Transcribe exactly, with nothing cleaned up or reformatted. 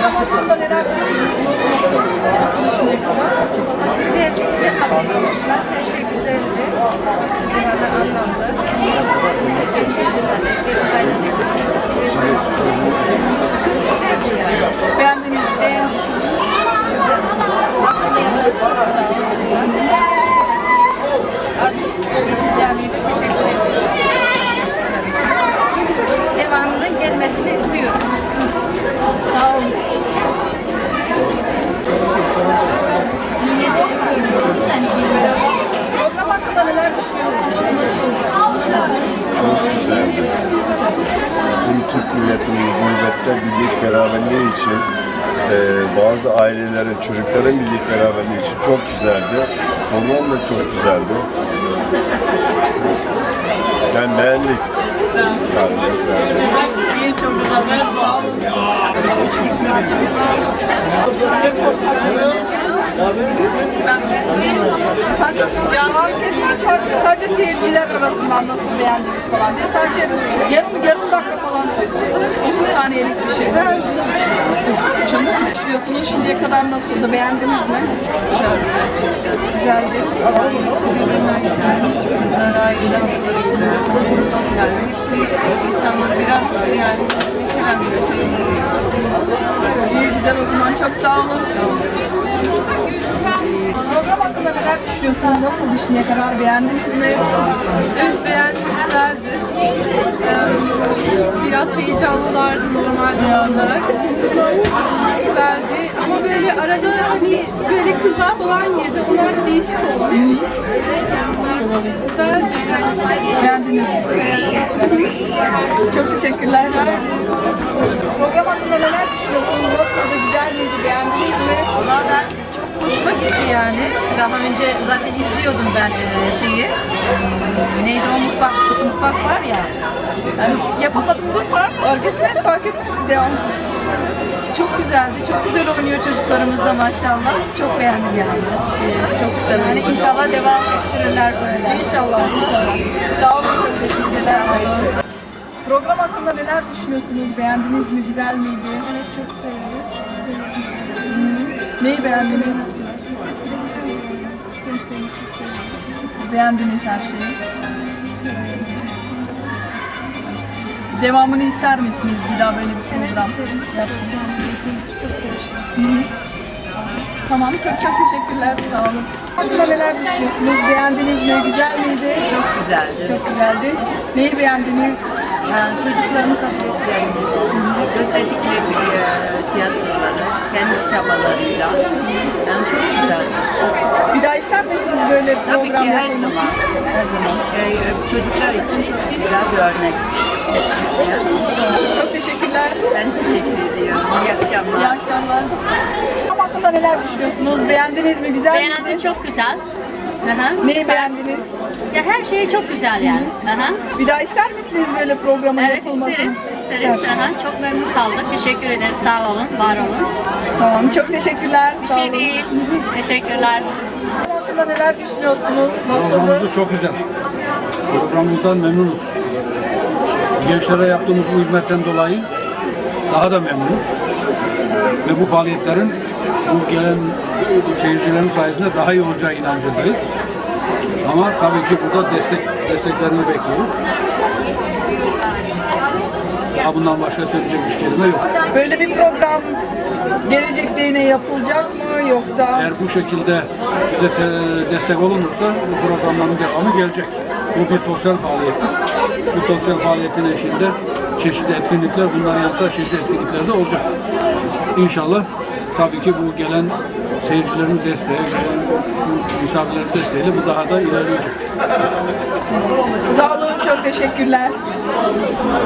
Program hakkında neler düşünüyorsunuz? Nasıl? Nasıl şimdiye kadar? Güzel, güzel anlatmışlar. Her şey güzeldi. Herhalde anlamda. Beğendiniz mi? Beğendim. Artık geçeceğim teşekkür ederim. Devamının gelmesini istiyorum. Sağ olun. Program hakkında neler düşünüyorsunuz? Nasıl? Çok güzeldi. Bizim Türk milletinin gurbette birlik beraberliği için, e, bazı ailelerin, çocukların birlik beraberliği için çok güzeldi. Program da çok güzeldi. Ben beğendik. İyi, çok güzel. Sağ olun. Sadece, sadece seyirciler arasından nasıl beğendiniz falan diye sadece yarım, yarım dakika falan söyledi. otuz saniyelik bir şey. Canım ne düşünüyorsunuz? Şimdiye kadar nasıldı? Beğendiniz mi? Güzel, güzel, çok güzel. Güzeldi. Hepsi birbirinden güzel. Küçük kızlar, aile hanımları güzel. Yani hepsi insanları biraz yani neşelendiriyor, sevindiriyor. İyi, güzel o zaman. Çok sağ olun. Program hakkında neler düşünüyorsunuz? Nasıl şimdiye kadar? Beğendiniz mi? Evet, beğendim, güzeldi. Ee, biraz heyecanlılardı normalde olarak. Güzeldi ama böyle arada hani böyle kızlar falan girdi. Onlar da değişik olmuş. Güzeldi. Beğendiniz mi? Çok teşekkürler. Program hakkında neler düşünüyorsunuz? Nasıldı? Güzel miydi? Beğendiniz mi? Valla ben çok hoşuma gitti yani. Daha önce zaten izliyordum ben e, şeyi. E, Neydi o mutfak, mutfak var ya. Yani yapamadım da fark, fark ettiniz, fark ettiniz devam. Çok güzeldi. Çok güzel oynuyor çocuklarımız da maşallah. Çok beğendim yani. E, Çok güzel. Yani inşallah devam ettirirler böyle. İnşallah, inşallah. Sağ olun, çok teşekkürler. Program hakkında neler düşünüyorsunuz? Beğendiniz mi? Güzel miydi? Evet, çok sevdim. Hı. Neyi beğendiniz? Beğendiniz her şeyi. Devamını ister misiniz? Bir daha böyle bir program yapsın. Hı hı. Tamam, çok çok teşekkürler. Sağ olun. Hakkında neler düşünüyorsunuz? Beğendiniz mi? Güzel miydi? Çok güzeldi. Çok güzeldi. Neyi beğendiniz? Yani çocukların kabiliyetlerini, gösterdikleri e, tiyatroları, kendi çabalarıyla. Yani çok güzeldi. Bir daha ister misiniz böyle Tabii program ki her yapılmasını? zaman, her zaman. Ee, çocuklar için çok güzel bir örnek. Çok teşekkürler. Ben teşekkür ediyorum. İyi akşamlar. İyi akşamlar. Program hakkında neler düşünüyorsunuz? Beğendiniz mi? Güzel Beğendim, miydi? çok güzel. Aha. Neyi beğendiniz? Ya her şey çok güzel yani. Aha. Bir daha ister misiniz böyle programın Evet yapılmasını? isteriz, isteriz. Aha. Çok memnun kaldık. Teşekkür ederiz. Sağ olun, var olun. Tamam, çok teşekkürler. Bir Sağ şey olun. değil. Teşekkürler. Program hakkında neler düşünüyorsunuz? Nasıldı? Programımız çok güzel. Programımızdan memnunuz. Gençlere yaptığımız bu hizmetten dolayı daha da memnunuz. Ve bu faaliyetlerin bu gelen seyircilerin sayesinde daha iyi olacağı inancındayız. Ama tabii ki burada destek desteklerini bekliyoruz. Daha bundan başka söyleyecek bir kelime yok. Böyle bir program gelecekte yine yapılacak mı yoksa? Eğer bu şekilde bize te- destek olunursa bu programların devamı gelecek. Bu bir sosyal faaliyettir. Bu sosyal faaliyetin eşliğinde çeşitli etkinlikler, bunların yanı sıra çeşitli etkinlikler de olacak. İnşallah tabii ki bu gelen seyircilerin desteği, gelen misafirlerin desteğiyle bu daha da ilerleyecek. Sağ olun, çok teşekkürler.